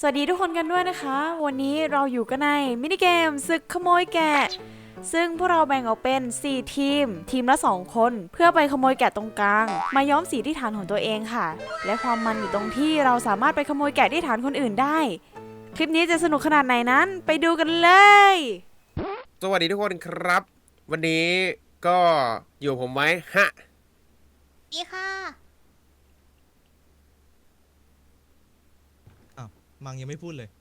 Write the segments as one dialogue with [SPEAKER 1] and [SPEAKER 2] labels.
[SPEAKER 1] สวัสดีทุกคนกันด้วยนะคะวันนี้เราอยู่กันในมินิเกมศึกขโมยแกะซึ่งพวกเราแบ่งออกเป็น4ทีมละ2คนเพื่อไปขโมยแกะตรงกลางมาย้อมสีที่ฐานของตัวเองค่ะและความมันอยู่ตรงที่เราสามารถไปขโมยแกะที่ฐานคนอื่นได้คลิปนี้จะสนุกขนาดไหนนั้นไปดูกันเลย
[SPEAKER 2] สวัสดีทุกคนครับ วันนี้ก็อยู่ผมไว้ฮะ
[SPEAKER 3] ดีค่ะ
[SPEAKER 4] อ้าวมังยังไม่พูดเลย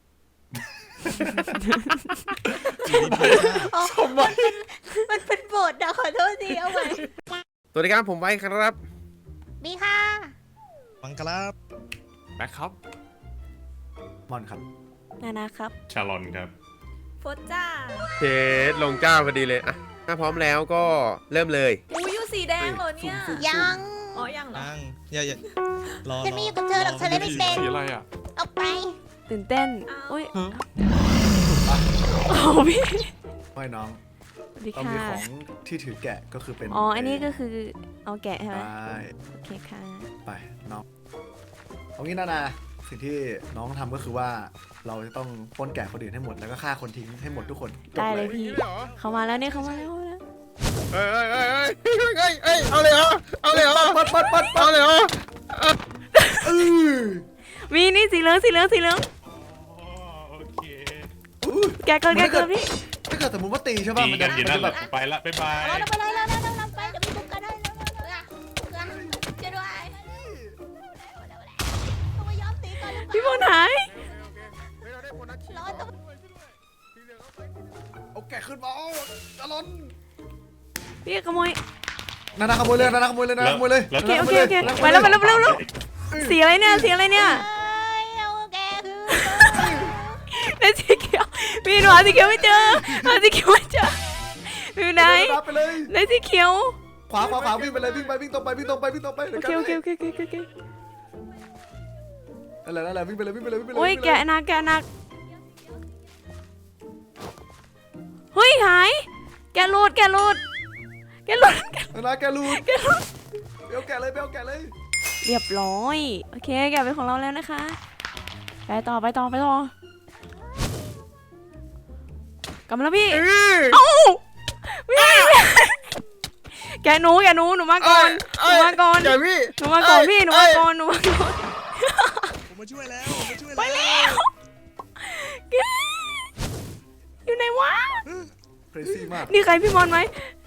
[SPEAKER 2] สมบัติ
[SPEAKER 3] มันเป็นบทนะขอโทษทีเอาไว้
[SPEAKER 2] สวัสดีครับผมไว้ครับ
[SPEAKER 3] ดีค่ะ
[SPEAKER 4] มังครับ
[SPEAKER 5] แบ็คครับ
[SPEAKER 6] มอนครับ
[SPEAKER 1] นานะครับ
[SPEAKER 5] ชาลอนครับ
[SPEAKER 3] โฟจ้า
[SPEAKER 2] เทสลงเจ้าพอดีเลยอ่ะถ้าพร้อมแล้วก็เริ่มเลย
[SPEAKER 3] อูยูสีแดงเหรอเนี่ยยัง อ๋อยังเหรอ
[SPEAKER 4] นั่งอย่ารอ
[SPEAKER 3] ฉันไม่อยู่กับเธอหรอกฉันเล่นไม่เป็น
[SPEAKER 5] สีอะไรอ่ะ
[SPEAKER 3] ออกไป
[SPEAKER 1] ตื่นเต้น
[SPEAKER 3] อ้าว
[SPEAKER 1] อุ้ยโอ้พี่
[SPEAKER 6] ไม่น้อง
[SPEAKER 1] สวัสดี
[SPEAKER 6] เรา
[SPEAKER 1] ค่ะ
[SPEAKER 6] มีของที่ถือแกะก็คือเป็น
[SPEAKER 1] อ๋ออันนี้ก็คือเอาแกะใช่ไหม
[SPEAKER 6] ใช่
[SPEAKER 1] โอเคค่ะ
[SPEAKER 6] ไปน้องเอางี้นะสิ่งที่น้องทำก็คือว่าเราจะต้องปล้นแกะคนอื่นให้หมดแล้วก็ฆ่าคนทิ้งให้หมดทุกคนจบ
[SPEAKER 1] ได้เลย
[SPEAKER 6] เลย
[SPEAKER 1] พี่เขามาแล้วเนี่ยเขามาแล้ว
[SPEAKER 2] เอ้ยเอาเลยเหรอเอาเลยเหรอ
[SPEAKER 6] ปัด
[SPEAKER 2] เอาเลยเหรอ
[SPEAKER 1] มีนี่สีเหลือง
[SPEAKER 5] โอเค
[SPEAKER 1] แกะเกินพี่
[SPEAKER 6] ถ้าเกิดสมมติว่าตีใช่ป่ะ
[SPEAKER 5] ดี
[SPEAKER 6] มัน
[SPEAKER 5] กั
[SPEAKER 6] จะ
[SPEAKER 5] นอยู่
[SPEAKER 6] มัน
[SPEAKER 5] นั่น
[SPEAKER 6] จะ
[SPEAKER 5] แห
[SPEAKER 6] แบ
[SPEAKER 5] ละ
[SPEAKER 6] บ
[SPEAKER 5] ไปละบ๊ายบาย
[SPEAKER 3] เราไปเลยเราไปเดี๋ยวมีบุกกันให้แล้วจะด้วยต้องมาย้อมสีก่อนหรือเป
[SPEAKER 1] พี่บ
[SPEAKER 3] ล่า
[SPEAKER 1] อลหาย
[SPEAKER 3] ร้อนต้อง
[SPEAKER 6] เอาแกะขึ้นมาจะล้น
[SPEAKER 1] พี่ขโมย
[SPEAKER 6] นาขโมยเลยนาขโมยเลยนาขโมยเลย
[SPEAKER 1] โอเคไปแล้วสีอะไรเนี่ย
[SPEAKER 3] เอาแกคือ
[SPEAKER 1] ในสีเขียวพี่หนูหาสีเขียวไม่เจออยู่ไหน
[SPEAKER 6] ไปเลย
[SPEAKER 1] ในสีเขียว
[SPEAKER 6] ขวาวิ่งไปเลยวิ่งตรงไป
[SPEAKER 1] โอเค
[SPEAKER 6] นั่นแหละวิ่งไปเลย
[SPEAKER 1] โอ้ยแกะหนักเฮ้ยหายแกะหลุด
[SPEAKER 6] นาแกรูดเดี๋ยวแกะเลย
[SPEAKER 1] เรียบร้อยโอเคแกะเป็นของเราแล้วนะคะไปต่อกลับมาแล้วพี่เอ้าแกะหนูหนูมาก่อน
[SPEAKER 2] เดี๋ยวพี่
[SPEAKER 1] หนูมาก่อนพี่
[SPEAKER 4] ผมมาช่วยแล้ว
[SPEAKER 1] ไปแล้วแกอยู่ไหนวะ
[SPEAKER 6] เพรซี่มาก
[SPEAKER 1] นี่ใครพี่บอลไหม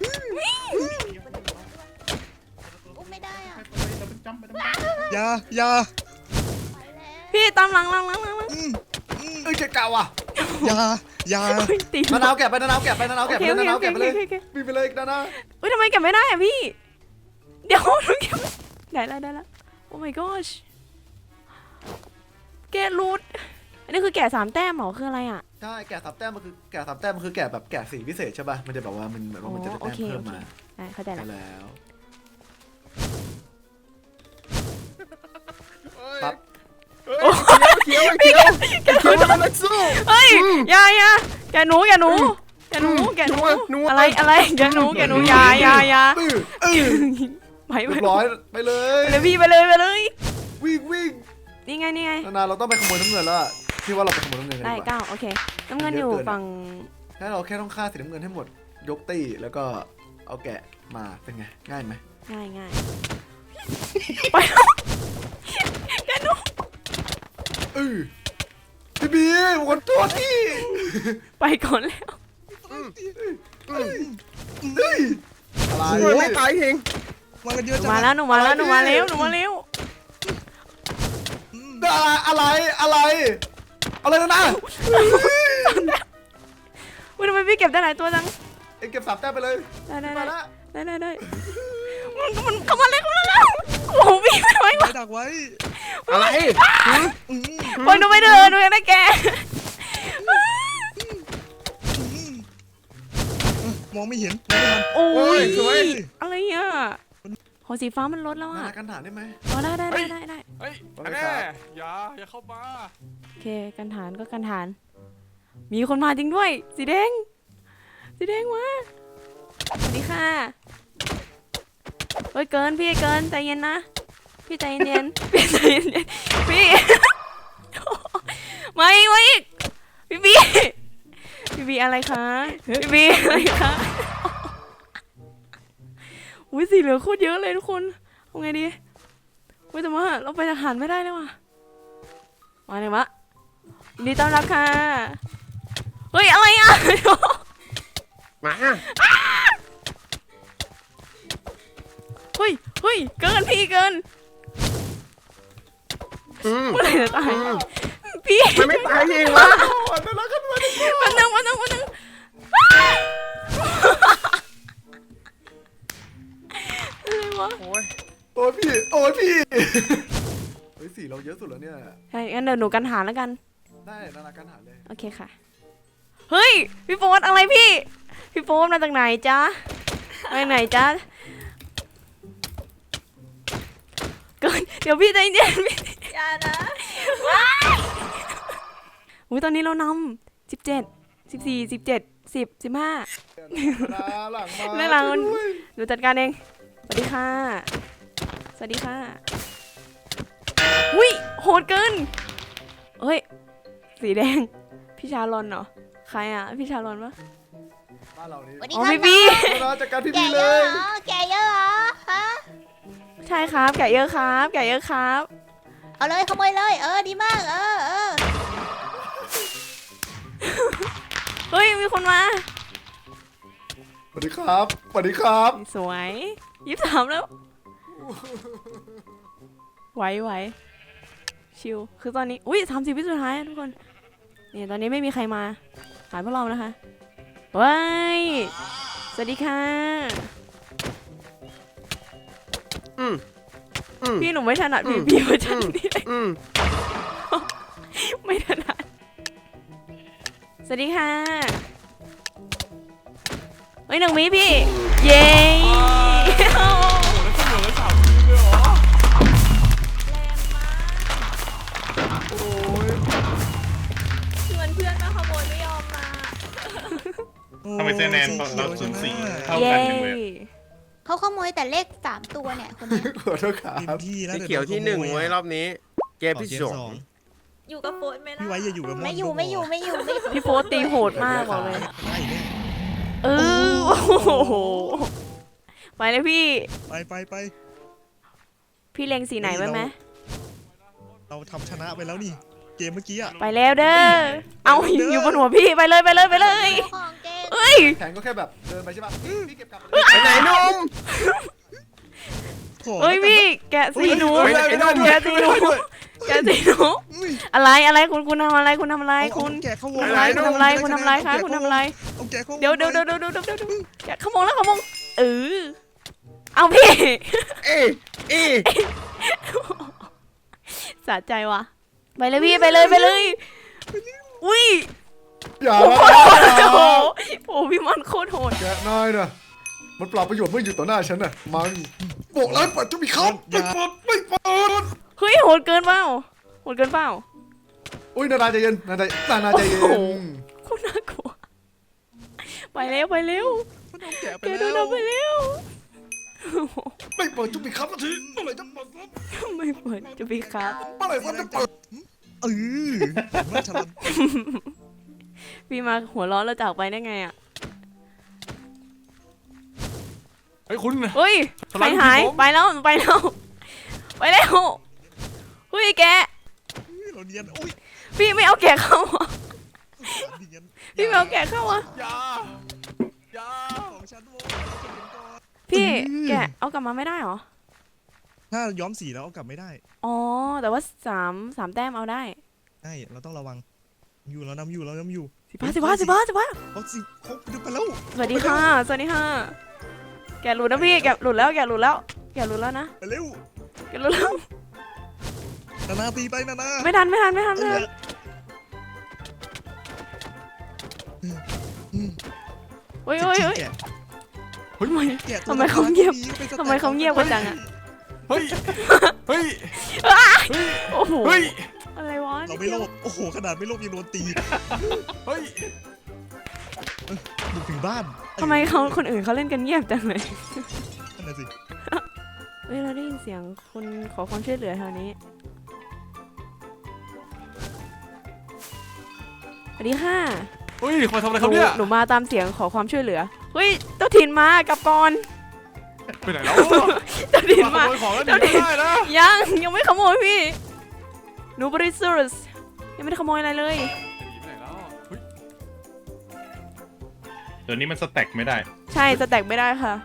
[SPEAKER 3] อุ้มไม่ได้อ่ะ
[SPEAKER 4] อย่า
[SPEAKER 1] พี่ตามหลัง
[SPEAKER 6] เอ้ยเก่าอ่ะ
[SPEAKER 4] อย่า
[SPEAKER 1] ตี
[SPEAKER 6] มะนาวแกะไปมะนาวแกะไป
[SPEAKER 1] โอเค
[SPEAKER 6] เลยวิ่งไปเลยนา
[SPEAKER 1] อุ้ยทำไมเก็บไม่ได้อะพี่เดี๋ยวหนูเก็บได้แล้วโอ้ my gosh แกะรูดอันนี้คือแกะ3 แต้มเหรอคืออะไรอ่ะ
[SPEAKER 6] ใช่แกะ3 แต้มมันคือแกะแบบแกะสีพิเศษใช่ป่ะมันจะแบบว่ามันเหมือนว่ามันจะได้แต้มเพิ่มมา
[SPEAKER 1] ได้เข้าใจแล้ว
[SPEAKER 6] แล้วปั๊บ
[SPEAKER 2] เขียวมันนักสู้
[SPEAKER 1] เฮ้ยอย่าแกะหนูอะไรแกะหนูอย่าไป
[SPEAKER 6] เรียบร้อยไปเลย
[SPEAKER 1] พี่ไปเลย
[SPEAKER 6] วิ่ง
[SPEAKER 1] นี่ไง
[SPEAKER 6] นาเราต้องไปขโมยน้ำเงินแล้วพี่ว่าเราไปขโมยน้ำเงินกัน
[SPEAKER 1] ได้
[SPEAKER 6] ดีกว่า
[SPEAKER 1] ก้าวโอเคน้ำเงินอยู่ฝั่ง
[SPEAKER 6] แค่เราแค่ต้องฆ่าสีน้ำเงินให้หมดยกตี้แล้วก็เอาแกะมาเป็นไงง่ายไหม
[SPEAKER 1] ง่ายไปแล้วแกะหนู
[SPEAKER 6] พี่บีวันตัวที่
[SPEAKER 1] ไปก่อนแล้ว
[SPEAKER 6] อะไร
[SPEAKER 2] ไม่ตายเอง
[SPEAKER 4] มากันเยอะจัง
[SPEAKER 1] มาแล้วหนูมาเร็ว
[SPEAKER 6] อะไรนะ
[SPEAKER 1] อุ้ยทำไมพี่เก็บได้หลายตัวจัง
[SPEAKER 6] เอ็งเก็บ3 แต้มไปเลย
[SPEAKER 1] ได้
[SPEAKER 6] มาละ
[SPEAKER 1] มันเข้ามาแล้วโอ้โหพี่ไม่ไหว
[SPEAKER 4] ไม่ดักไว้
[SPEAKER 2] อะไร
[SPEAKER 1] ปล่อยหนูไปเถอะหนูอยากได้แก
[SPEAKER 4] มองไม่เห็นมองไม่ทัน
[SPEAKER 1] โอ้ย
[SPEAKER 2] สวย
[SPEAKER 1] อะไรอ่ะหอสีฟ้ามันลดแล้ว
[SPEAKER 6] นา
[SPEAKER 1] อ่ะ
[SPEAKER 6] กันฐานได้ไหม
[SPEAKER 1] อ๋อได้
[SPEAKER 5] เฮ้ยแน่อย่าเข้ามา
[SPEAKER 1] โอเคกันฐานก็กันฐาน มีคนมาจริงด้วยสีแดงมาสวัสดีค่ะเฮ้ยเกินใจเย็นนะพี่ใจเย็นพี่พี่บีพี่บีอะไรคะพี่บีอะไรคะอุ้ยสีเหลืองโคตรเยอะเลยทุกคนเอาไงดีอุ้ยแต่ว่าเราไปทหารไม่ได้แล้วว่ะมาเลยวะยินดีต้อนรับค่ะเฮ้ยอะไรอ่ะ
[SPEAKER 2] มา
[SPEAKER 1] เฮ้ยเฮ้ยเกินพี่เกิน เมื่อไหร่จะตายพี่
[SPEAKER 2] มันไม่ตายเองวะ
[SPEAKER 1] วันนึงอะไรวะ
[SPEAKER 2] โอ้ย
[SPEAKER 6] โอ้ยพี่เฮ้ยสีเราเยอะสุดแล้วเนี่ย
[SPEAKER 1] ใช่งั้นเดี๋ยวหนูกันหารแล้วกัน
[SPEAKER 6] ได้นานาการหาเลย
[SPEAKER 1] โอเคค่ะเฮ้ยพี่โฟนอะไรพี่โฟนมาจากไหนจ๊ะไปไหนจ๊ะเกินเดี๋ยวพี่ใจเย็นพี่
[SPEAKER 3] อย่านะ
[SPEAKER 1] อุ้ยตอนนี้เรานำ17 14 17 10 15
[SPEAKER 6] หลังมา
[SPEAKER 1] เรื่องราวหนูจัดการเองสวัสดีค่ะสวัสดีค่ะอุ้ยโหดเกินเฮ้ยสีแดงพี่ชาลอนเหรอใครอ่ะพี่ชาลอนปะ
[SPEAKER 6] บ้านเรานี่
[SPEAKER 3] วันนี้
[SPEAKER 1] อ๋อ
[SPEAKER 3] ข้า
[SPEAKER 1] พี่บี
[SPEAKER 6] นานาจัดการพี่
[SPEAKER 3] แก
[SPEAKER 6] บีเล
[SPEAKER 3] เยอะ
[SPEAKER 6] ย
[SPEAKER 3] เหรอแกเยอะเหรอฮะ
[SPEAKER 1] ใช่ครับแกะเยอะครับแกะเยอะครับ
[SPEAKER 3] เอาเลยขโมยเลยดีมาก
[SPEAKER 1] เฮ้ยมีคนมา
[SPEAKER 6] สวัสดีครับสวัสดีครับ
[SPEAKER 1] สวย23แล้วไหวชิลคือตอนนี้อุ้ย30วิสุดท้ายอะทุกคนเนี่ยตอนนี้ไม่มีใครมาหายพวกเรานะคะว้ายสวัสดีค่ะ
[SPEAKER 2] อืม
[SPEAKER 1] พี่หนูไม่ถนัดพี่เวอร์ชันนี้เลย
[SPEAKER 2] อืม
[SPEAKER 1] ไม่ถนัดสวัสดีค่ะเฮ้ยหนึ่งวิพี่เย้
[SPEAKER 5] โอ้โหแล้วก็เหลือเลย3 ทีมเลยเหรอ
[SPEAKER 6] โอ้ย
[SPEAKER 3] ชวนเพื่อนมาขโมยไม่ยอมมา
[SPEAKER 7] ทำไมคะแนนเราสูสีเท่ากันจังเลย
[SPEAKER 3] เขาขโมยแต่เลข3 ตัวเนี่ยคนนี้
[SPEAKER 6] ขอโทษครั
[SPEAKER 4] เต็ม
[SPEAKER 6] บ
[SPEAKER 4] ที่แล้ว
[SPEAKER 2] สีเขียวที่ 1ไว้รอบนี้ เกมที่
[SPEAKER 4] ส
[SPEAKER 2] 2
[SPEAKER 4] อง
[SPEAKER 3] อยู่กับโฟนไหมล่ะ
[SPEAKER 4] พี่ไว้อย่าอยู่กับมอน
[SPEAKER 3] ไม่อยู่
[SPEAKER 1] พี่โฟตีโหดมากบอกเลย
[SPEAKER 4] ได้เนี่ย
[SPEAKER 1] เออโอ้โหไปเลยพี่
[SPEAKER 4] ไป
[SPEAKER 1] พี่เล็งสีไหนไว้ไหม
[SPEAKER 4] เราทำชนะไปแล้วนี่ เกมเมื่อกี้อะ
[SPEAKER 1] ไปแล้วเด้อเอาอยู่บนหัวพี่ไปเลย
[SPEAKER 3] ของเกม
[SPEAKER 1] เอ้ย
[SPEAKER 6] แผนก็แค่แบบเดินไปใช่ปะพี่เก็บกลับ
[SPEAKER 2] ไปไหนนุ่ม
[SPEAKER 4] โถ่
[SPEAKER 1] เอ้ยพี่แกะสีหนู
[SPEAKER 2] ไปไหนนุ่ม
[SPEAKER 1] แกะสีหนูแกะสีหนู
[SPEAKER 4] อุ้ย
[SPEAKER 1] อะไรคุณทำอะไรคุณทำอะไร
[SPEAKER 4] เอา
[SPEAKER 1] คุณ
[SPEAKER 4] แกะเข้าวง
[SPEAKER 1] ทำอะไรคุณทำอะไรคุณทำอะไรคะคุณทำอะไร
[SPEAKER 4] เอาแกะเข้าวง
[SPEAKER 1] เดี๋ยวแกะขโมงแล้วขโมงเอาพี่
[SPEAKER 2] เอ้ยเอ้ย
[SPEAKER 1] สะใจว่ะไปเลยพี่ไปเลย อุ้ย
[SPEAKER 6] อย่า
[SPEAKER 1] โอ้
[SPEAKER 6] นะ
[SPEAKER 1] โหโอ้พี่มันโคตรโหด
[SPEAKER 6] แกะน้อยนะมันเปล่าประโยชน์เมื่ออยู่ต่อหน้าฉันน่ะมันบอกแล้วเปิดจะมีเขาไม่เปิด
[SPEAKER 1] เฮ้ยโหดเกินเปล่า
[SPEAKER 6] อุ้ยนานาใจเย็นนานาใจเย็น
[SPEAKER 1] โอ้โห โคตรน่ากลัวไปเร็ว
[SPEAKER 4] มันเอาแกะไป
[SPEAKER 1] แก
[SPEAKER 4] แล้
[SPEAKER 1] โด
[SPEAKER 4] วน
[SPEAKER 1] เอาไปเร็ว
[SPEAKER 6] ไม่เปิดจะมีครับนาทีเมื่อไหร่จะเปิด
[SPEAKER 1] ไม่เปิดจะพี่ครับ
[SPEAKER 6] เมื่อไหร่จะเปิด
[SPEAKER 4] เมื่อฉลับ
[SPEAKER 1] พี่มาหัวร้อนแล้วจากไปได้ไงอ่ะ
[SPEAKER 5] เฮ้ยคุณ
[SPEAKER 1] เฮ้ย
[SPEAKER 5] สไล
[SPEAKER 1] ใคร
[SPEAKER 5] ด์
[SPEAKER 1] หาย
[SPEAKER 5] ผม
[SPEAKER 1] ไปแล้วเฮ้ยแก
[SPEAKER 4] เราเนียนอุ้ย
[SPEAKER 1] พี่ไม่เอาแกะเข้าอ่ะ
[SPEAKER 4] เนียน
[SPEAKER 1] พี่ไม่เอาแกะเข้าอ่ะ
[SPEAKER 5] อย่า
[SPEAKER 4] ของฉันโว้ย
[SPEAKER 1] พี่แกะเอากลับมาไม่ได้เหรอ
[SPEAKER 4] ถ้าย้อมสีแล้วเอากลับไม่ได้
[SPEAKER 1] อ๋อแต่ว่าสามแต้มเอาได้
[SPEAKER 4] ใช่เราต้องระวังอยู่เรานำอยู่
[SPEAKER 1] 15
[SPEAKER 4] เอาสิเขาดึงไปแล้ว
[SPEAKER 1] สวัสดีค่ะแกะหลุดนะพี่แกะหลุดแล้วนะ
[SPEAKER 4] ไปเร็ว
[SPEAKER 1] แกะหลุดแล้ว
[SPEAKER 4] นานาตีไปนานา
[SPEAKER 1] ไม่ทัน เฮ้ย
[SPEAKER 4] แกะ แกะตัว
[SPEAKER 1] ทำไมเขาเงียบ
[SPEAKER 4] ไปสแต็ก
[SPEAKER 1] ทำไมเขาเงียบกันจังอะ
[SPEAKER 5] เฮ้ย เฮ้ย
[SPEAKER 1] โอ้โห
[SPEAKER 5] เฮ้ย
[SPEAKER 1] อะไรวะ
[SPEAKER 4] เราไม่โลภโอ้โหขนาดไม่โลภยังโดนตี
[SPEAKER 5] เฮ้ย
[SPEAKER 4] บุกถึงบ้าน
[SPEAKER 1] ทำไมเขาคนอื่นเขาเล่นกันเงียบจังเลย
[SPEAKER 4] นั่นน่ะสิ
[SPEAKER 1] เฮ้ยเราได้ยินเสียงคนขอความช่วยเหลือแถวนี้สวัสดีค่ะ
[SPEAKER 5] เฮ้ยมาทำอะไรครับเนี่ย
[SPEAKER 1] หนูมาตามเสียงขอความช่วยเหลือเฮ้ยเจ้าถิ่นมากลับก่อน
[SPEAKER 5] ไปไหนแล้ว
[SPEAKER 1] เจ้าถิ่น
[SPEAKER 5] มา
[SPEAKER 1] มา
[SPEAKER 5] ขโมยของแล้วหนีไม่ได้นะ
[SPEAKER 1] ยังไม่ขโมยพี่หนูบริสุทธิ์ยังไม่ได้ขโมยอะไรเลย
[SPEAKER 5] หนีไปไหนแล้วเฮ้ย
[SPEAKER 7] เดี๋ยวนี้มันสแต็กไม่ได้
[SPEAKER 1] ใช่จะแตกไม่ได้ค่ะ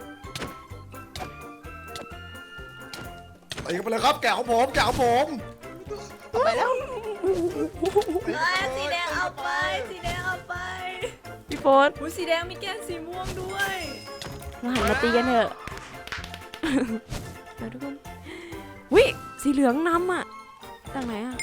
[SPEAKER 6] ไปกันไปเลยครับแกะของผมแกะของผม
[SPEAKER 3] ไปแล้วสีแดงเอาไปสีแดงเอาไป
[SPEAKER 1] พี่โฟส
[SPEAKER 3] หูสีแดงมีแก้มสีม่วงด้วย
[SPEAKER 1] มาหันมาตีกันเถอะเดี๋ยวทุกคนวิสีเหลืองนำอ่ะจากไหนอ่ะ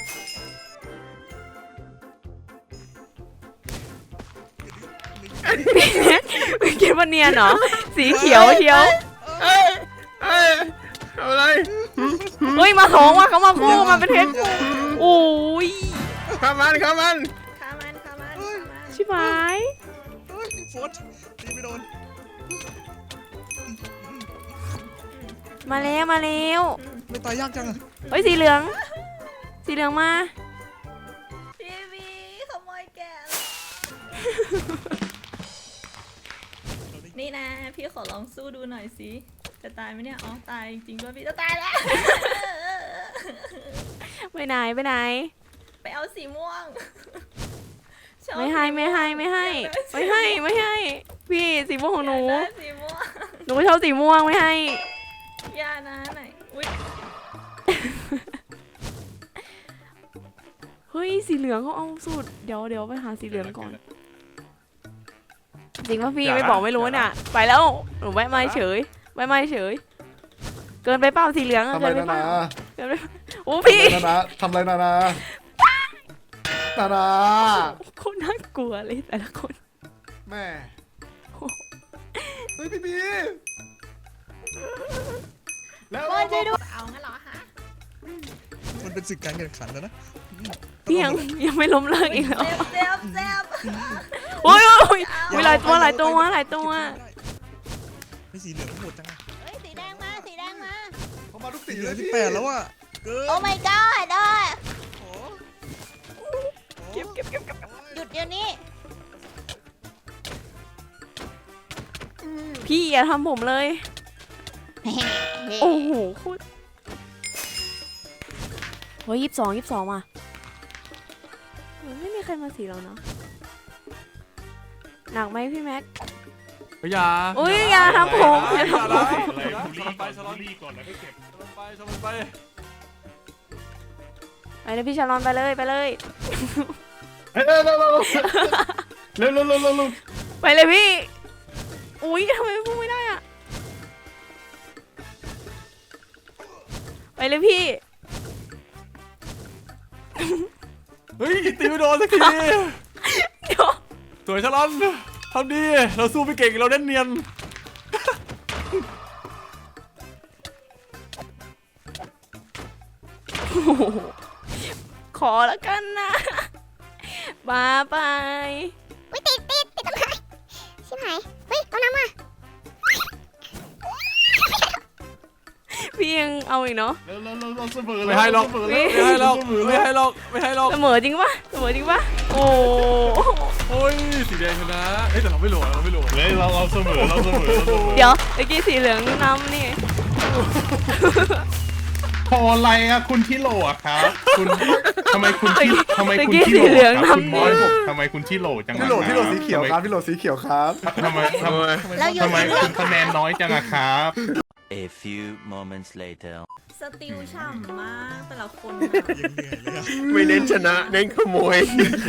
[SPEAKER 1] พี่แม็กคิดว่าเนียนเหรอสีเขียวเชียว
[SPEAKER 2] เอ้ยเอาอะไร
[SPEAKER 1] เฮ้ยมาสองว่ะเขามาคู่มาเป็นเพชรโอ้ย
[SPEAKER 2] ข้ามัน
[SPEAKER 3] ขามัน
[SPEAKER 1] ชิบหาย
[SPEAKER 4] เฮ้ยโฟดตีไม่โดน
[SPEAKER 1] มาแล้วมาแล้ว
[SPEAKER 4] ไม่ตายยากจังอะ
[SPEAKER 1] เฮ้ยสีเหลืองมา
[SPEAKER 3] ทีวีขโมยแกะนี่นะพี่ขอลองสู้ดูหน่อยสิจะตายไหมเนี่ยอ๋อตายจริงๆด้วยพี่จะตายแล้ว
[SPEAKER 1] ไปไหนไปไหน
[SPEAKER 3] ไปเอาสีม่วงชอบ
[SPEAKER 1] ไม่ให้พี่สีม่วงของหนู
[SPEAKER 3] อยากได้สีม่วง
[SPEAKER 1] หนูก็ชอบสีม่วงไม่ให้
[SPEAKER 3] อย่านะไหนอุ้ย
[SPEAKER 1] เฮ้ยสีเหลืองเขาเอาสูตรเดี๋ยวไปหาสีเหลืองก่อนจริงป่ะพี่ไม่บอกไม่รู้เนี่ยไปแล้วหนูแวะมาเฉยเกินไปเปล่าสีเหลืองอะ
[SPEAKER 6] ทำ
[SPEAKER 1] เกิ
[SPEAKER 6] ไร
[SPEAKER 1] นไป
[SPEAKER 6] นา
[SPEAKER 1] เป
[SPEAKER 6] นา
[SPEAKER 1] ล่าเกินไปโอ้พี่
[SPEAKER 6] ทำไรนานานานา
[SPEAKER 1] โคตรน่ากลัวเลยแต่ละคน
[SPEAKER 6] แม่เฮ้ยพี่บีแล้ว
[SPEAKER 3] โอ้ยช่วยด้วยเอางั้นเหรอฮะ
[SPEAKER 4] มันเป็นศึกการแข่งขันแล้วนะ
[SPEAKER 1] พี่ยังไม่ล้มเลิกอีกแล้ว
[SPEAKER 3] เจ็บ
[SPEAKER 1] โอ้ยหลายตัว
[SPEAKER 4] ไม่สีเหลืองทั้งหมดจังอะ
[SPEAKER 3] เฮ้ยสีแดงมา
[SPEAKER 6] เขามาทุก
[SPEAKER 4] สี
[SPEAKER 6] สี
[SPEAKER 4] เหลื
[SPEAKER 6] เล
[SPEAKER 4] อง
[SPEAKER 6] ย
[SPEAKER 4] ที่
[SPEAKER 6] พี่
[SPEAKER 4] 8แล้วอะเกิน
[SPEAKER 3] โอ้ my god ด้วย
[SPEAKER 4] โอ้
[SPEAKER 1] เก็บ
[SPEAKER 3] หยุดเดี๋ยวนี้
[SPEAKER 1] พี่อย่าทำผมเลย โอ้โหโคตรเฮ้ย22ว่ะไม่มีใครมาสีเราเนาะหนักไหมพี่แม็ก
[SPEAKER 5] เฮ้ยอย่า
[SPEAKER 1] อุ้ยอย่าทำผมอย่าทำผม
[SPEAKER 7] อะไรบูลลี่ก่อนแล้วก็เก็บ
[SPEAKER 5] ชนไป
[SPEAKER 1] ไปเลยพี่ชาลอนไปเลย
[SPEAKER 7] เร็ว
[SPEAKER 1] ไปเลยพี่ อุ้ยทำไมพูดไม่ได้อะไปเลยพี่
[SPEAKER 5] เฮ้ยตีไม่โดนสักที
[SPEAKER 1] เดี๋ยว
[SPEAKER 5] สวยชะลอนทำดีเราสู้ไม่เก่งเราเล่นเนียน
[SPEAKER 1] โอ้โหขอแล้วกันนะบายบาย
[SPEAKER 3] อุ้ยติดต้นไม้ชิบหายเฮ้ยเอาน้ำมา
[SPEAKER 1] พี่ยังเอาอีกเนาะ
[SPEAKER 7] เราเสมอ
[SPEAKER 5] ไม่ให้หรอก
[SPEAKER 1] เสมอจริงปะโอ้
[SPEAKER 5] โอ้ยสีแดงชนะเฮ้ยแต่เราไม่โหลเราไม่โหล
[SPEAKER 7] เลยเราเสมอ
[SPEAKER 1] เดี๋ยวเมื่อกี้สีเหลืองนำนี่
[SPEAKER 7] พออะไรอะคุณที่โหลอะครับคุณทำไมคุณที่โหลครับคุณมอยทำไมคุณที่โหลจัง
[SPEAKER 6] พี่โหลสีเขียวครับพี่โหลสีเขียวครับ
[SPEAKER 7] ทำไม
[SPEAKER 3] เราอยู่
[SPEAKER 7] ทำไม
[SPEAKER 3] ในเรื่
[SPEAKER 7] คุ
[SPEAKER 3] อง
[SPEAKER 7] ณคะแนนน้อยจังอะครับ
[SPEAKER 8] A few moments later.
[SPEAKER 3] สติลฉ่ำมากแต่ละคน
[SPEAKER 4] ยังเหนื่อยเลยอะ
[SPEAKER 2] ไม่เน้นชนะเน้นขโมย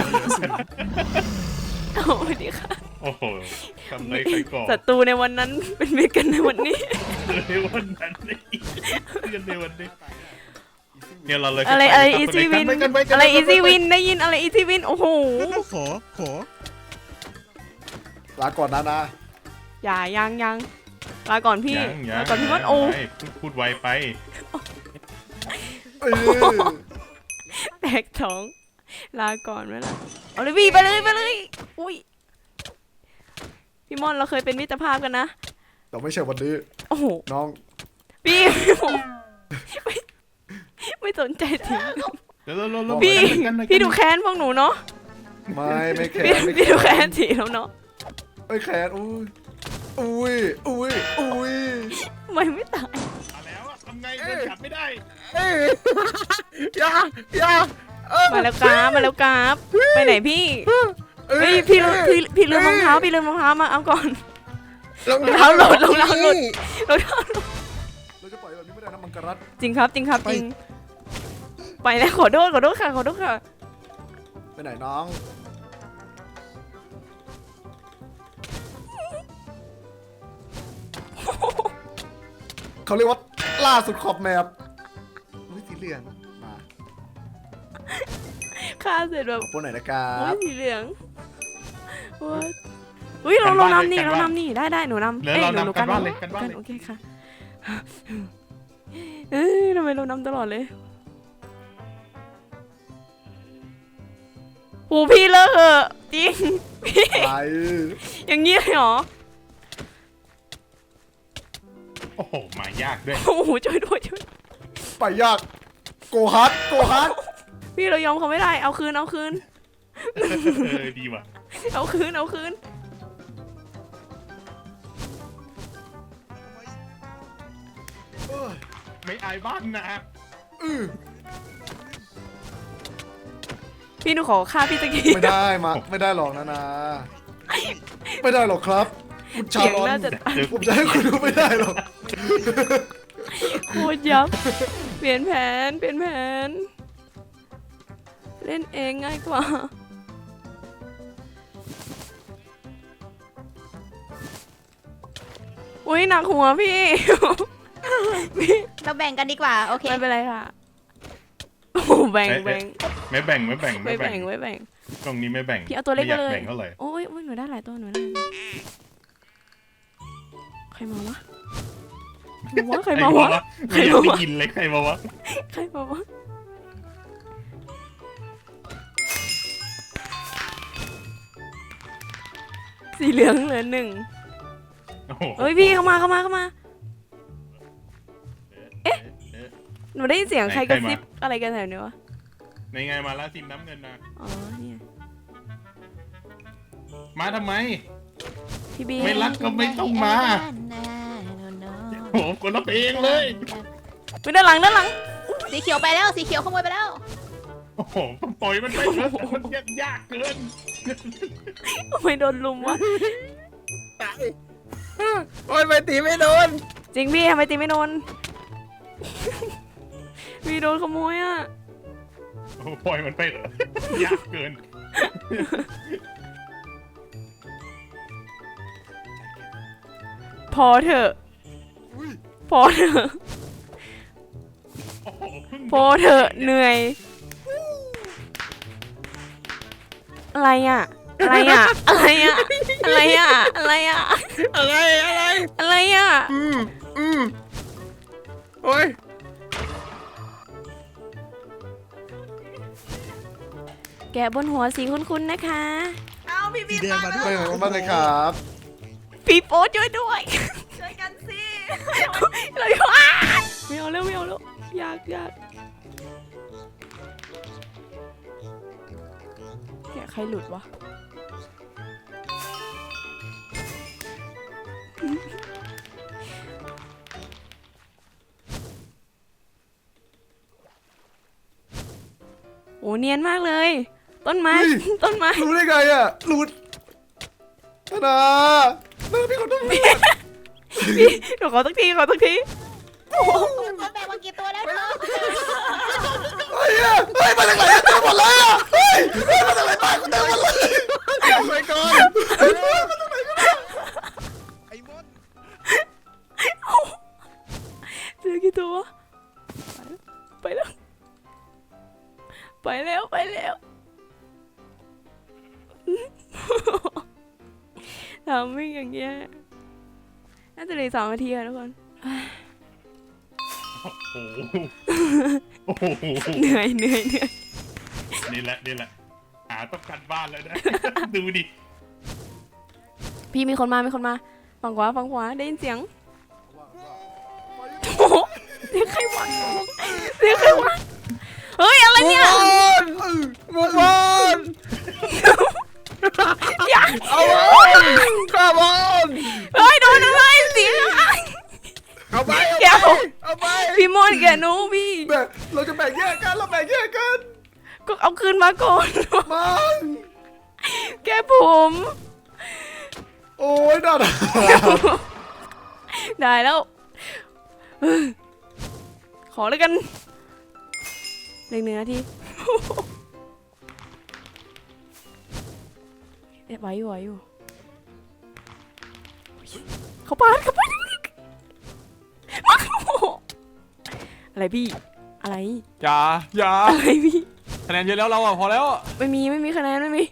[SPEAKER 1] โอ้ดีค่ะ
[SPEAKER 7] โอ้โหทำไรใครก่อน
[SPEAKER 1] ศัตรูในวันนั้นเป็นมิตรกันในวันนี้
[SPEAKER 7] ในวันนั้นในวันนี้เนี่ยเราเลย
[SPEAKER 1] อะไรอีซี่วินอะไรอีซี่วินได้ยินอะไรอีซี่วินโอ้โห
[SPEAKER 4] ขอ
[SPEAKER 6] ลาก่อนนานา
[SPEAKER 1] อย่ายังลาก่อนพี่ลาก่อนพี่มดโอ้
[SPEAKER 7] พูดไวไป
[SPEAKER 1] แตกท้องลาก่อนไหมล่ะเอาเลยพี่ไปเลยอุ้ยพี่มอนเราเคยเป็นมิตรภาพกันนะ
[SPEAKER 6] เราไม่ใช่วันนี้
[SPEAKER 1] โอ้โห
[SPEAKER 6] น้อง
[SPEAKER 1] พี่ผมไม่สนใจถึง
[SPEAKER 7] เดี๋ยว
[SPEAKER 1] พี่ดูแค้นพวกหนูเนาะ
[SPEAKER 6] ไม่แข
[SPEAKER 1] พี่
[SPEAKER 6] นไม่
[SPEAKER 1] พี่ดูแคนสีแล้วเนาะ
[SPEAKER 6] ไม่แขนอุ้ย
[SPEAKER 1] ทำไมไม่ตาย
[SPEAKER 7] มาแล้วอะทำไงเดินกลับไม่ได้
[SPEAKER 2] เอ้ยอย่า
[SPEAKER 1] มาแล้วกราฟมาแล้วกราฟไปไหนพี่เฮ้ยพี่ลืมรองเท้ามาเอาก่อน รองเท้าหลุด
[SPEAKER 6] เราจะปล่อยแบบนี้ไม่ได้นะมังกรรัต
[SPEAKER 1] จริงครับจริงไปแล้วขอโทษค่ะ
[SPEAKER 6] ไปไหนน้องเขาเรียกว่าล่าสุดขอบแมปอุ้ยสีเหลืองมา
[SPEAKER 1] ฆ่าเสร็จแบบ
[SPEAKER 6] ขอบคุณหน่อยนะครั
[SPEAKER 1] โอ้
[SPEAKER 6] บ
[SPEAKER 1] ยสีเหลืองอุ้ยเรานำนี่ได้หนูนำ
[SPEAKER 7] เหลือเรา
[SPEAKER 1] หนู
[SPEAKER 7] นำกันบ้านเลยกันบ้านเลย
[SPEAKER 1] โอเคค่ะทำไมเรานำตลอดเลยโหพี่เลิกเหอะจริงพี่
[SPEAKER 6] ไป
[SPEAKER 1] อย่างนี้เลยเหรอ
[SPEAKER 7] โอ้โหมายากด้วย
[SPEAKER 1] โอ้โหช่วยด้วย
[SPEAKER 6] ไปยากโกฮัท
[SPEAKER 1] พี่เรายอมเขาไม่ได้เอาคืน
[SPEAKER 7] ดีว่ะ
[SPEAKER 1] เอาคืน
[SPEAKER 7] ไม่อายบ้านนะ
[SPEAKER 1] พี่หนูขอฆ่าพี่ตะกี้
[SPEAKER 6] ไม่ได้หรอกนะไม่ได้หรอกครับคุณชา
[SPEAKER 1] เสียง
[SPEAKER 6] ลอน
[SPEAKER 1] น่าจะตาย
[SPEAKER 6] ผมจะให้คุณดูไม่ได้หรอก
[SPEAKER 1] โคตรยับเปลี่ยนแผนเล่นเองง่ายกว่าอุ้ยหนักหัวพี่
[SPEAKER 3] เราแบ่งกันดีกว่าโอเค
[SPEAKER 1] ไม่เป็นไรค่ะโอ้แบ่ง
[SPEAKER 7] ไม่แบ่ง ตรงนี้ไม่แบ่ง
[SPEAKER 1] พี่เอาตัวเล็ก
[SPEAKER 7] ไม่อยาก
[SPEAKER 1] มาเลย
[SPEAKER 7] แบ่งเท่าไหร่
[SPEAKER 1] โอ้ยหนูได้หลายตัวใครมาวะใครมาวะ
[SPEAKER 7] ไม่อยากได้ยินเลยใครมาวะ
[SPEAKER 1] สีเหลืองเหลือ1
[SPEAKER 7] โอ้โห
[SPEAKER 1] เฮ้ยพี่เข้ามาหนูได้ยินเสียงใครกระซิบอะไรกันแถวนี้วะ
[SPEAKER 7] ในไงมาแล้วทีมน้ำเงินนะ
[SPEAKER 1] อ๋อเนี่ย
[SPEAKER 7] มาทำไม
[SPEAKER 1] พี่บี
[SPEAKER 7] ไม่รักก็ไม่ต้องมาโอ้โหคนละเพลงเลย
[SPEAKER 1] ไปด้านหลัง
[SPEAKER 3] สีเขียวไปแล้วสีเขียวขโมยไปแล้ว
[SPEAKER 7] โอ้โหปล่อยมันไปเถอะมันยากเกิน
[SPEAKER 1] ทำไมโดนลุมวะ
[SPEAKER 2] ตายโอ้ยไปตีไม่โดน
[SPEAKER 1] จริงพี่ทำไมตีไม่โดน พี่โดนขโมยอ่ะ
[SPEAKER 7] โอ้โหปล่อยมันไปเถอะยากเกิน
[SPEAKER 1] พอเถอะ
[SPEAKER 7] โอ้โหเพิ่ง
[SPEAKER 1] พอเถอะเหนื่อย อะไรอ่ะ
[SPEAKER 2] อะไร
[SPEAKER 1] อ่ะ
[SPEAKER 2] โอ้ย
[SPEAKER 1] แกะบนหัวสีคุ้นๆนะคะ
[SPEAKER 3] เอาพี่
[SPEAKER 4] สี
[SPEAKER 3] บี
[SPEAKER 4] แดงมาด้ว
[SPEAKER 6] ไป
[SPEAKER 4] ย
[SPEAKER 6] ไหนกันบ้างเลยครับ
[SPEAKER 1] พี่โป๊ช่วยด้วย
[SPEAKER 3] ช่วยกันสิ
[SPEAKER 1] เราอยู่อ่ะไม่เอาแล้วอยากแกะใครหลุดวะโอ้เนียนมากเลย ต้นไม้
[SPEAKER 6] รู้ได้ไงอ่ะรู้นาพี่ขอโทษ
[SPEAKER 1] พี่หนูขอสักที
[SPEAKER 3] ตัวแบ่งมากี่ตัวแล้วเธอ
[SPEAKER 6] เฮ้ยมาจากไหนเต็มหมดเลยอ่ะเฮ้ยมาจากไหนบ้านกูเต็มหมดเลย
[SPEAKER 2] ไปก่อน
[SPEAKER 4] ไอ้มด
[SPEAKER 1] เจอกี่ตัวไปแล้วทำไม่อย่างเงี้ยน่าจะเหลือ2 นาทีค่ะทุกคน
[SPEAKER 7] โอ้โห
[SPEAKER 1] เหนื่อย
[SPEAKER 7] นี่แหละหาต้องกันบ้านแล้วนะ ดูดิ
[SPEAKER 1] พี่มีคนมาฝั่งขวาได้ยินเสียงโอ้โหเสียงใครวะเฮ้ยอะไรเนี่ย
[SPEAKER 2] บุกบอลเอาบอลข้าบอล
[SPEAKER 1] เฮ้ยโดนอะไรเสีย
[SPEAKER 2] เอาไป
[SPEAKER 1] แกผม
[SPEAKER 2] เอาไป
[SPEAKER 1] พี่มอนแกหนูพี่
[SPEAKER 6] แบ่งเราจะแบ่งแยกกันเราแบ่งแยกกัน
[SPEAKER 1] ก็เอาคืนมาก่อน
[SPEAKER 6] มัน
[SPEAKER 1] แกผม
[SPEAKER 6] โอ้ยน่าด่า
[SPEAKER 1] ได้แล้วขอแล้วกันเล็กเนื้อที่ไหวอยู่เขาปาดอะไรพี่อะไร
[SPEAKER 5] อย่า
[SPEAKER 1] อะไรพี่
[SPEAKER 5] คะแนนเยอะแล้วเราอ่ะพอแล้ว
[SPEAKER 1] ไม่มีคะแนนไม่มี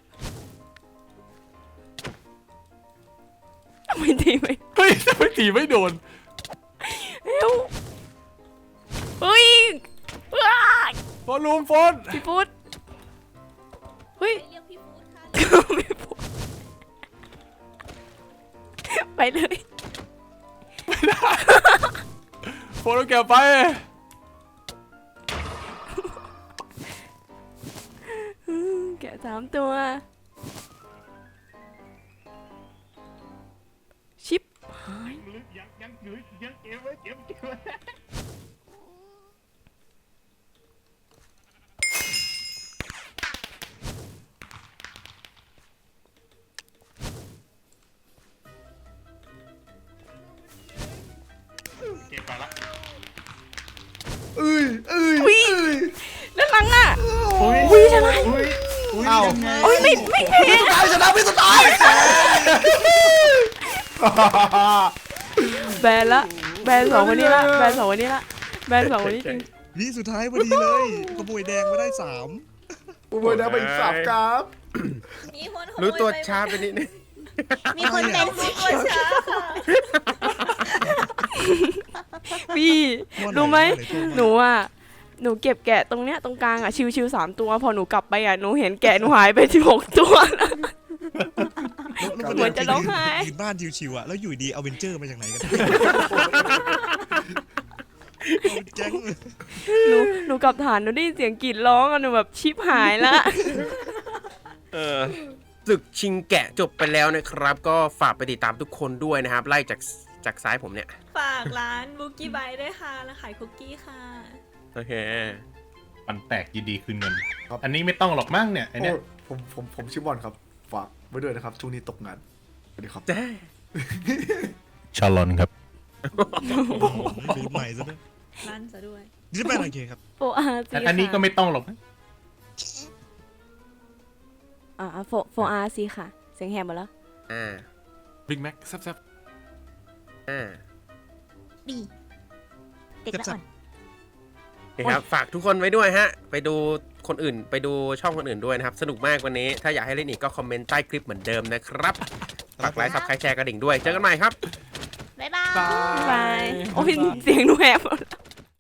[SPEAKER 1] ไม่ดีไหม
[SPEAKER 5] เฮ้ยทำไมตีไม่โดน
[SPEAKER 1] เร็วเฮ้ยว้าย
[SPEAKER 5] โฟนลุมโฟน
[SPEAKER 1] พี่พุทธเฮ้ย
[SPEAKER 3] เรียกพี่ฟูดค่ะ
[SPEAKER 1] พี่พุทธไปเลย
[SPEAKER 5] โฟนเอาแกไป
[SPEAKER 1] แกะ3 ตัวชิปหาย
[SPEAKER 7] ยังเก็บไว้เก็บไว้ เก็บไปละ
[SPEAKER 6] เอ้ย
[SPEAKER 1] ด้านหลังอ่ะ
[SPEAKER 7] อุ้ยชนะอุ้ยยังไง
[SPEAKER 1] โอ้ยไม่แพ้
[SPEAKER 6] ตายชนะพี่สุดท้าย
[SPEAKER 1] แบนละแบน2 วันนี้ละแบน2 วันนี้ละแบน2 วันนี้จริง
[SPEAKER 4] วิสุดท้ายพอดีเลยขโมยแดงมาได้3
[SPEAKER 6] โอ้ยนะไปอีก3กราฟ
[SPEAKER 3] มีคนขโมย
[SPEAKER 2] รู้ตัว
[SPEAKER 3] ไป
[SPEAKER 2] ช้าไปนิดนึง
[SPEAKER 3] มีคนเป็นรู้ตัวช้าค่ะ
[SPEAKER 1] พี่รู้ไหม
[SPEAKER 4] หนู
[SPEAKER 1] หนูเก็บแกะตรงเนี้ยตรงกลางอ่ะชิวๆ3 ตัวพอหนูกลับไปอ่ะหนูเห็นแกะหนูหายไป16 ตัวแล้ว เหมือนจะร้องไห้
[SPEAKER 4] ยืนบ้านชิวๆอ่ะแล้วอยู่ดีเอาเวนเจอร์มาจากไหนกันแก๊ง
[SPEAKER 1] หนูกลับฐานหนูได้ยินเสียงกรีดร้องอ่ะหนูแบบชิปหายละ
[SPEAKER 2] ศึกชิงแกะจบไปแล้วนะครับ ก็ฝากไปติดตามทุกคนด้วยนะครับ ไล่จากซ้ายผมเนี่ย
[SPEAKER 3] ฝากร้านบุกี้ไบด้วยค่ะร้านขายคุกกี้ค่ะ
[SPEAKER 2] โอเค
[SPEAKER 7] มันแตกยินดีคืนเงิน อันนี้ไม่ต้องหรอกมั้งเนี่ยไอเนี้ย
[SPEAKER 6] โอ้ผมชื่อบอลครับฝากไว้ด้วยนะครับช่วงนี้ตกงานสวัสดีครับ
[SPEAKER 7] ชาลอนครับ
[SPEAKER 4] รูดใหม่ซะด้วย
[SPEAKER 3] ร้านซะด้วย
[SPEAKER 4] ดิสแมนโอเคครับ
[SPEAKER 1] โฟอาร์ซี
[SPEAKER 7] อันนี้ก็ไม่ต้องหรอกนะ
[SPEAKER 1] โฟอาร์ซีค่ะเสียงแหบหมดแล้ว
[SPEAKER 2] อ่า
[SPEAKER 5] บิ๊กแม็กแซ่บ
[SPEAKER 3] บีเด็กละอ่อน
[SPEAKER 2] โอเคครับ ฝากทุกคนไว้ด้วยฮะ ไปดูคนอื่น ไปดูช่องคนอื่นด้วยนะครับ สนุกมากวันนี้ ถ้าอยากให้เล่นอีกก็คอมเมนต์ใต้คลิปเหมือนเดิมนะครับ ฝากไลค์ ซับสไครต์แชร์กระดิ่งด้วย เจอกันใหม่ครับ
[SPEAKER 3] บ๊ายบาย
[SPEAKER 5] ๆ
[SPEAKER 1] บาย โอ้ยเสียงหนูแหบหมดแล้ว